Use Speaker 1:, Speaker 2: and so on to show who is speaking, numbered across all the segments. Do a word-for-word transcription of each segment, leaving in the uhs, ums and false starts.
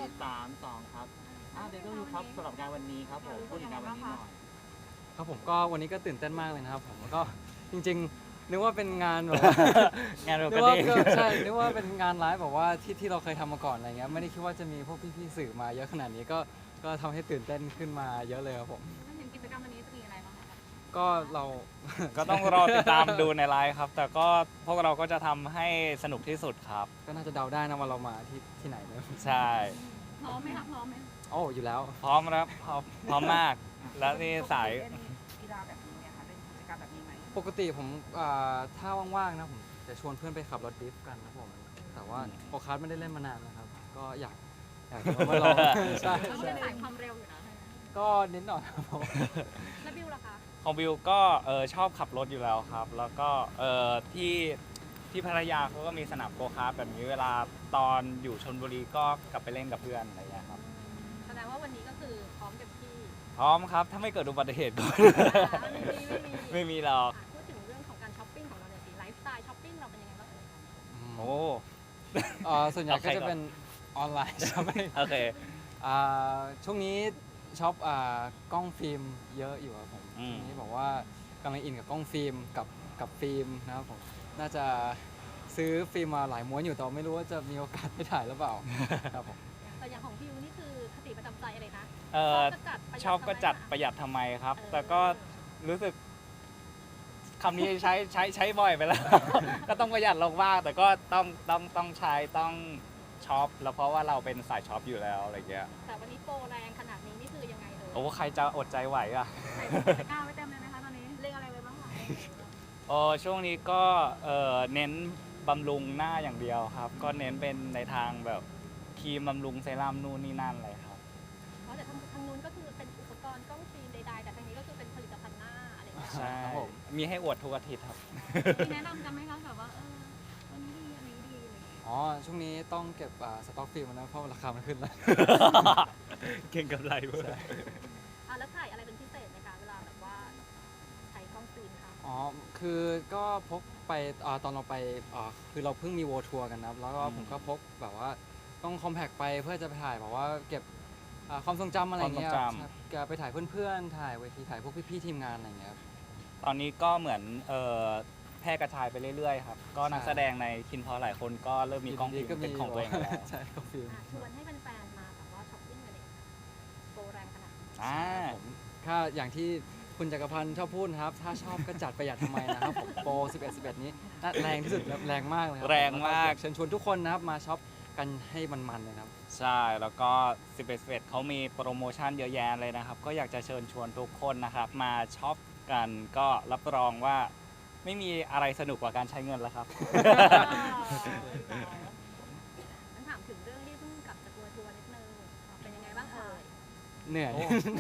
Speaker 1: สามสองครับอ่าเดี๋ยวก็ดูครับสำหรับงานวันนี้ครับผมพูดถึงงานวันนี้หน่อย
Speaker 2: ครับผมก็วันนี้ก็ตื่นเต้นมากเลยนะครับผมก็จริงๆนึกว่าเป็นงานแบบว่า
Speaker 3: งานเรา
Speaker 2: นึ
Speaker 3: ก็
Speaker 2: กว่า
Speaker 3: ดี
Speaker 2: ก็ใช่นึกว่าเป็นงานไลฟ์แบบว่าที่ที่เราเคยทำมาก่อนอะไรเงี้ยไม่ได้คิดว่าจะมีพวกพี่ๆสื่อมาเยอะขนาดนี้ก็ก็ทำให้ตื่นเต้นขึ้นมาเยอะเลยครับผม
Speaker 4: ถ้าเห็นกิจกรรมวันนี้จะมีอะไรบ้างคะ
Speaker 2: ก็เรา
Speaker 3: ก็ต้องรอติดตามดูในไลฟ์ครับ แต่ก็พวกเราก็จะทำให้สนุกที่สุดครับ
Speaker 2: ก็น่าจะเดาได้นะว่าเรามาที่ที่ไหนเนอะ
Speaker 3: ใช่
Speaker 4: พร้อมไหมคะพร้อมไหม
Speaker 2: โอ้อยู่แล้ว
Speaker 3: พร้อมครับพร้อมพร้อมมาก แล้วนี่สาย
Speaker 5: เล่นกีฬาแบบนี้ไหมคะเป็นกิจกรรมแบบนี้ไหม
Speaker 2: ปกติผมอ่าถ้าว่างๆนะผมจะชวนเพื่อนไปขับรถดริฟต์กันนะผมแต่ว่าโอคาร์ดไม่ได้เล่นมานานนะครับ ก็อยากอยากจะมาลอง ใช่
Speaker 4: เราก็
Speaker 2: ใช่
Speaker 4: เป็นสายความเร็วอยู่นะ
Speaker 2: ก็นิดหน่อยครับผม
Speaker 4: แล้วบิวล่ะคะ
Speaker 3: ของบิวก็เออชอบขับรถอยู่แล้วครับ แล้วก็เออที่ที่พัทยาเขาก็มีสนามโกคาร์ทแบบนี้เวลาตอนอยู่ชลบุรีก็กลับไปเล่นกับเพื่อนอะไรอย่างเงี้ยครับ
Speaker 4: แสดงว่าวันนี้ก็คือพร้อมเต็มที่
Speaker 3: พร้อมครับถ้าไม่เกิดอุบัติเหตุก็
Speaker 4: ไม่มีไม่มี
Speaker 3: ไม่มีหรอก
Speaker 4: พูดถึงเรื่องของการช้อปปิ้งของเราหน่อยสิไลฟ์สไตล์ช้อปปิ้งเราเป็นยังไงบ้างเอ่ย
Speaker 3: โอ้
Speaker 2: เอ่อส่วนใหญ่
Speaker 3: เอาใค
Speaker 2: ก็
Speaker 3: ร
Speaker 2: จะ
Speaker 3: ก่อน
Speaker 2: เป็นออนไลน์ ใช่ไหม
Speaker 3: โอเค
Speaker 2: อ่าช่วงนี้ช็อปอ่ากล้องฟิล์มเยอะอยู่ครับผม
Speaker 3: อืม
Speaker 2: ช่วงนี้บอกว่ากำลังอินกับกล้องฟิล์มกับกับฟิล์มนะครับผมน่าจะซื้อฟิล์มมาหลายม้วนอยู่แต่ว่าไม่รู้ว่าจะมีโอกาสได้ถ่ายหรือเปล่าครับผม
Speaker 4: แต่อย่างของบิวนี่คือคติประจำใจอะไรนะ
Speaker 3: เออ
Speaker 4: ก็จัดประหยั
Speaker 3: ชอบก็จัด
Speaker 4: ทำไม
Speaker 3: ประหยัดทำไมครับ
Speaker 4: เออ
Speaker 3: แต่ก็รู้สึกคำนี้ใช้ใช้ใช้บ่อยไปแล้ว ก็ต้องประหยัดลงบ้างแต่ก็ต้องต้องต้องใช้ต้องช็อปแล้วเพราะว่าเราเป็นสายช็อปอยู่แล้วอะไรเงี้ย
Speaker 4: แต่วันนี้โปรแรงขนาดนี้นี่คือยังไงเอ่ย
Speaker 3: โอ้ใครจะอดใจไหวอ่ะ
Speaker 4: ใส่ตะกร้าไว้เต็มเลยไหมคะตอนนี้เรียกอะไรไว้บ้างคะ
Speaker 3: โอ้ช่วงนี้ก็เออเน้นบำรุงหน้าอย่างเดียวครับ ก็เน้นเป็นในทางแบบครีมบำรุงเซรั่มนู่นนี่นั่นอะไรครับ
Speaker 4: เพราะแต่ทางทางนู้นก็คือเป็นอุปกรณ์กล้องฟิล์มใดๆแต่ทางนี้ก็คือเป็นผลิตภัณฑ์หน้าอะไรอย่างเงี้ย
Speaker 3: ใช่
Speaker 2: ครับผม
Speaker 3: มีให้อวดทุกอาทิตย์ครับ
Speaker 4: มีแนะนำกันไหมคะแบบว่าเอออันนี้ดีอันนี้ดีอะไรอย่างเงี้ย
Speaker 2: อ๋อช่วงนี้ต้องเก็บอ่าสต็อกฟิล์มนะเพราะราคามันขึ้นแล้ว
Speaker 3: เก่งกับไรเว้ย
Speaker 4: อ่ะแล้วถ่ายอะไรเป็นพิเศษไหมคะเวลาแบบว่าใช้กล้องฟิล์มค่ะ
Speaker 2: อ๋อ คือก็พกไปอาตอนเราไปอ่าคือเราเพิ่งมีโวทัวร์กันนะครับ แล้วก็
Speaker 3: อืม
Speaker 2: ผมก็พกแบบว่าต้องคอมแพกไปเพื่อจะไปถ่ายแบบว่าเก็บอ่าความทรงจำอะไรเงี้ย
Speaker 3: ความทรงจำ
Speaker 2: ครับจะไปถ่ายเพื่อนๆ ถ่ายเวทีถ่ายพวกพี่ๆทีมงานอะไรเงี้ยครับ
Speaker 3: ตอนนี้ก็เหมือนเอ่อแพร่กระจายไปเรื่อยๆครับ ก็นัก
Speaker 2: ใช่
Speaker 3: แสดงในคินพอหลายคนก็เริ่มมีกล้องฟิล์มเป็นของตัวเองแล้ว
Speaker 2: ใช่กล้องฟิล์ม
Speaker 4: อ่ะชวนให้แฟนๆมาแบบว่าช้อปปิ้งกันเลยโปรแรงขนาดนี้
Speaker 3: อ่า
Speaker 2: ผมถ้าอย่างที่คุณจักรพันธ์ชอบพูดนะครับ ถ้าชอบก็จัดประหยัดทำไมนะครับผมโปรสิบเอ็ด สิบเอ็ดนี้น่าแรงที่สุดครับแรงมากเลยครั
Speaker 3: แรงมาก
Speaker 2: เชิญชวนทุกคนนะครับมาช็อปกันให้มันๆเลยนะครับ
Speaker 3: ใช่ แล้วก็สิบเอ็ด สิบเอ็ดเขามีโปรโมชั่นเยอะแยะเลยนะครับ ก็อยากจะเชิญชวนทุกคนนะครับ มาช็อปกันก็รับรองว่าไม่มีอะไรสนุกกว่าการใช้เงินแล้วครับ
Speaker 4: งั้นถามถึงเรื่องที่เพิ่งกลับจากทัวร์ทัวร์นิดนึงเป็นยังไงบ้างเอ่ย
Speaker 2: เหนื่อย
Speaker 3: โอ้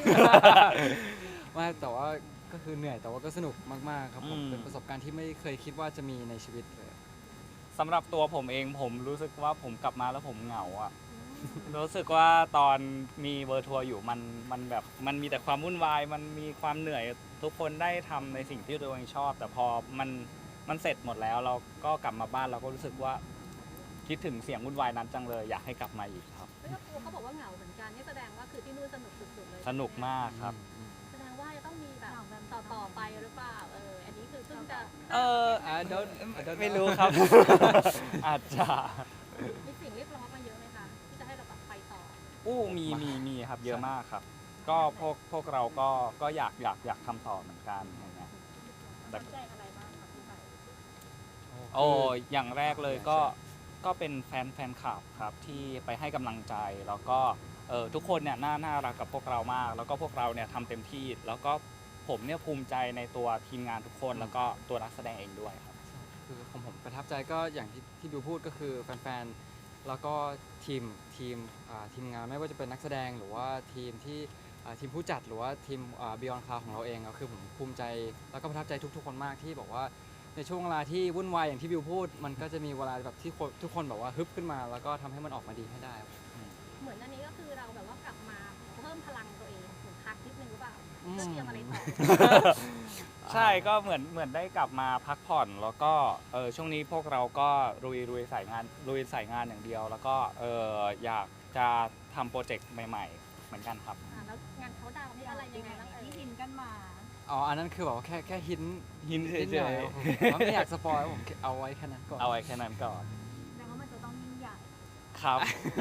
Speaker 2: ไม่แต่ว่าก็คือเหนื่อยแต่ว่าก็สนุกมากๆครับผม
Speaker 3: อืม
Speaker 2: เป็นประสบการณ์ที่ไม่เคยคิดว่าจะมีในชีวิตเลย
Speaker 3: สำหรับตัวผมเองผมรู้สึกว่าผมกลับมาแล้วผมเหงาอ่ะ รู้สึกว่าตอนมีเวอร์ทัวร์อยู่มันมันแบบมันมีแต่ความวุ่นวายมันมีความเหนื่อยทุกคนได้ทำในสิ่งที่ตัวเองชอบ แต่พอมันมันเสร็จหมดแล้วเราก็กลับมาบ้านเราก็รู้สึกว่าคิดถึงเสียงวุ่นวายนั้นจังเลยอยากให้กลับมาอีกครับ
Speaker 4: แล้วก็เขาบอกว่าเหงาเหมือนกันนี่แสดงว่าคือที่นู่นสนุกสุดๆเลย
Speaker 3: สนุกมากครับ
Speaker 2: อืม
Speaker 4: แสดงว่าจะต้องมีแบบต่อต่อๆไปหรือเปล่าเอออันนี้คือเพิ่งจะ
Speaker 3: เออ
Speaker 2: อ่า don't I don't
Speaker 3: ไม่รู้ครับ อาจจะ
Speaker 4: มีสิ่งเรียกร้องมาเยอะไหมคะที่จะให้เราแบบไปต่อ
Speaker 3: อู้มีมีมีครับเยอะมากครับ ก็พวกพวกเราก็ก็อยากอยากอยากทำต่อเหมือนกันอย่างเงี้ย
Speaker 4: สนใจอะไรบ้างครับพี่ไป
Speaker 3: โอ้อย่างแรกเลยก็ก็เป็นแฟนแฟนคลับครับที่ไปให้กำลังใจแล้วก็เออทุกคนเนี่ยน่าน่ารักกับพวกเรามาก แล้วก็พวกเราเนี่ยทำเต็มที่ แล้วก็ผมเนี่ยภูมิใจในตัวทีมงานทุกคน แล้วก็ตัวนักแสดงเองด้วยครับ
Speaker 2: คือของผมประทับใจก็อย่างที่ที่บิวพูดก็คือแฟนๆ แล้วก็ทีมทีมอ่าทีมงานไม่ว่าจะเป็นนักแสดงหรือว่าทีมที่อ่าทีมผู้จัดหรือว่าทีมบิออนคลาวของเราเองก็คือผมภูมิใจแล้วก็ประทับใจทุกๆคนมากที่บอกว่าในช่วงเวลาที่วุ่นวายอย่างที่บิวพูด มันก็จะมีเวลาแบบที่คนทุกคนแบบว่าฮึบขึ้นมา แล้วก็ทำให้มันออกมาดีให้ได้ครับ
Speaker 4: เหมือนอันนี้ก็คือเราแบบว่ากลับมาเพิ่มพลังตัวเองเหมือนพักนิดนึงหรือเปล่า
Speaker 2: อืม
Speaker 4: เพื่อเตรียมอะไรต่อ
Speaker 3: ใช่ก็เหมือนเหมือนได้กลับมาพักผ่อนแล้วก็เออช่วงนี้พวกเราก็ลุยลุยสายงานลุยสายงานอย่างเดียว แล้วก็เอออยากจะทำโปรเจกต์ใหม่ๆ เหมือนกันครับ
Speaker 4: อ่าแล้วงานเขาดาวน์นี่อะไรยังไงบ้างเอ่ย
Speaker 5: ที่หินกันมา
Speaker 2: อ๋ออันนั้นคือแบบว่าแค่แค่หิน
Speaker 3: หินเฉ
Speaker 2: นิดหน่อย
Speaker 3: ย
Speaker 2: ผมว่าไม่อยากสปอยผมเอาไว้แค่นั้นก่อน
Speaker 3: ๆ เอาไว้แค่นั้นก่อน
Speaker 5: แสดงว่ามันจะต้องยิ่งใหญ่
Speaker 3: ครับ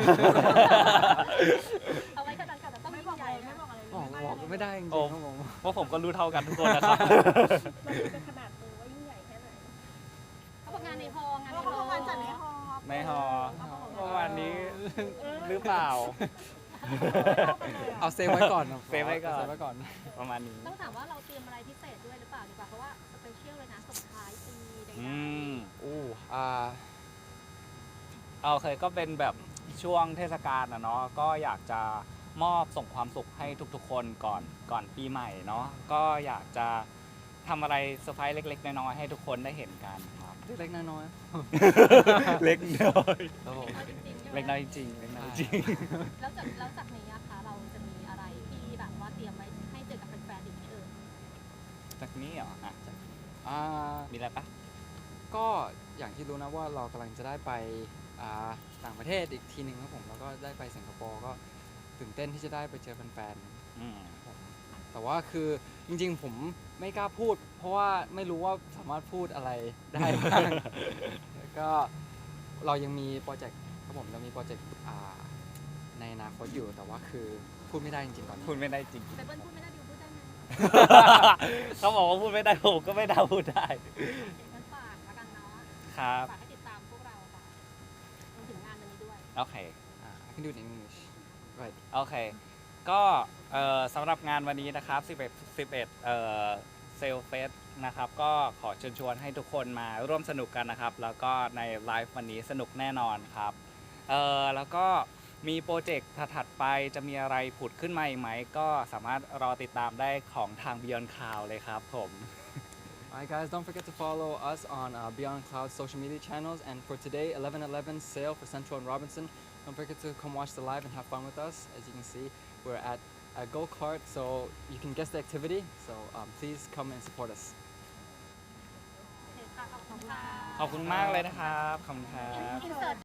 Speaker 4: เอาไว้แค่นั้นก่อนแต่ต้อง
Speaker 5: ไม่
Speaker 4: ยิ่
Speaker 5: บอก
Speaker 4: ง
Speaker 5: อะ
Speaker 4: ให
Speaker 5: ไร
Speaker 4: ญ่
Speaker 5: ไม่
Speaker 4: นะ
Speaker 5: บอกอะไรเลย
Speaker 2: บอกบอกก็ไม่ได้จริง
Speaker 3: โอ้
Speaker 2: ๆครับผม
Speaker 3: เพราะผมก็รู้เท่ากันทุกคนนะครับ
Speaker 4: เราดูเป็นขนาดตัวว่ายิ่งใหญ่แค่ไหนเขาบอกงานในฮอลล์งาน
Speaker 5: เพ
Speaker 4: ใน
Speaker 5: ราะ
Speaker 4: ฮอลล์
Speaker 5: เขางานจัดในฮอลล์
Speaker 3: ในฮอลล์ ประมาณนี้หรือเปล่า
Speaker 2: เอาเซฟไว้ก่อนนะ
Speaker 3: เซฟไว้ก่อน
Speaker 2: เซฟไว้ก่อน
Speaker 3: ประมาณนี้
Speaker 4: ต้องถามว่าเราเตรียมอะไรพิเศษด้วยหรือเปล่าดีกว่าเพราะว่าสเปเชียลเลยนะส่งท้ายปีใด
Speaker 3: อืม
Speaker 2: อู้อ่า
Speaker 3: โอเคก็เป็นแบบช่วงเทศกาลนะเนาะก็อยากจะมอบส่งความสุขให้ทุกๆ คนก่อนก่อนปีใหม่เนาะก็อยากจะทำอะไรเซอร์ไพรส์เล็กๆน้อยๆให้ทุกคนได้เห็นกันครับ
Speaker 2: เล็กๆน้อย
Speaker 3: เล็กน้อย
Speaker 2: ๆครับผม
Speaker 4: ๆจริงๆใช่ไหม
Speaker 3: เล็กน้อยจริงๆเล็กน้อยจริง
Speaker 4: แล้วจากแล้วจากนี้อะคะเราจะมีอะไรที่แบบว่าเตรียมไว้ให้เจอกับแฟนๆอีกไหมเอ่ย
Speaker 3: จากนี้เหรออ่ะ
Speaker 2: อ่า
Speaker 3: มีอะไรปะ
Speaker 2: ก็อย่างที่รู้นะว่าเรากำลังจะได้ไปอ่าต่างประเทศอีกทีหนึ่งครับผมแล้วก็ได้ไปสิงคโปร์ก็ตื่นเต้นที่จะได้ไปเจอแฟน
Speaker 3: อืม
Speaker 2: ๆผมแต่ว่าคือจริงๆ ผมไม่กล้าพูด เพราะว่าไม่รู้ว่าสามารถพูดอะไรได้บ้าง แล้วก็เรายังมีโปรเจกต์ครับผมเรามีโปรเจกต์อ่าในอนาคตอยู่แต่ว่าคือพูดไม่ได้จริงๆตอนนี้
Speaker 3: พูดไม่ได้จริง
Speaker 4: ไปเบิ้ลพูดไม่ได้ดิวพูดได้ไหม
Speaker 3: เขาบอกว่าพูดไม่ได้ผมก็ไม่ได้พูดได้
Speaker 4: เดี๋ยวงั้นฝากแล้วกันเนาะ
Speaker 3: ครับ
Speaker 4: ฝากให้ติดตามพวกเราค่ะรวมถึงงานวันนี้ด้วย
Speaker 3: โอเค
Speaker 2: อ่า I can do it in English right
Speaker 3: โอเค ก็เอ่อสำหรับงานวันนี้นะครับ 11 11เอ่อเซลเฟสนะครับ ก็ขอเชิญชวนให้ทุกคนมาร่วมสนุกกันนะครับ แล้วก็ในไลฟ์วันนี้สนุกแน่นอนครับ เอ่อแล้วก็มีโปรเจกต์ถัดๆไปจะมีอะไรผุดขึ้นมาอีกไหม ก็สามารถรอติดตามได้ของทาง Beyond Cloud เลยครับผม
Speaker 2: Alright guys, don't forget to follow us on uh, Beyond Cloud social media channels. And for today, eleven eleven sale for Central and Robinson. Don't forget to come watch the live and have fun with us. As you can see, we're at a go-kart, so you can guess the activity. So um, please come and support us.
Speaker 4: โอเคค่ะขอบคุณค่ะ
Speaker 3: ขอบคุณมากเลยนะครับ ขอบคุณครับ
Speaker 4: อินเสิร์ต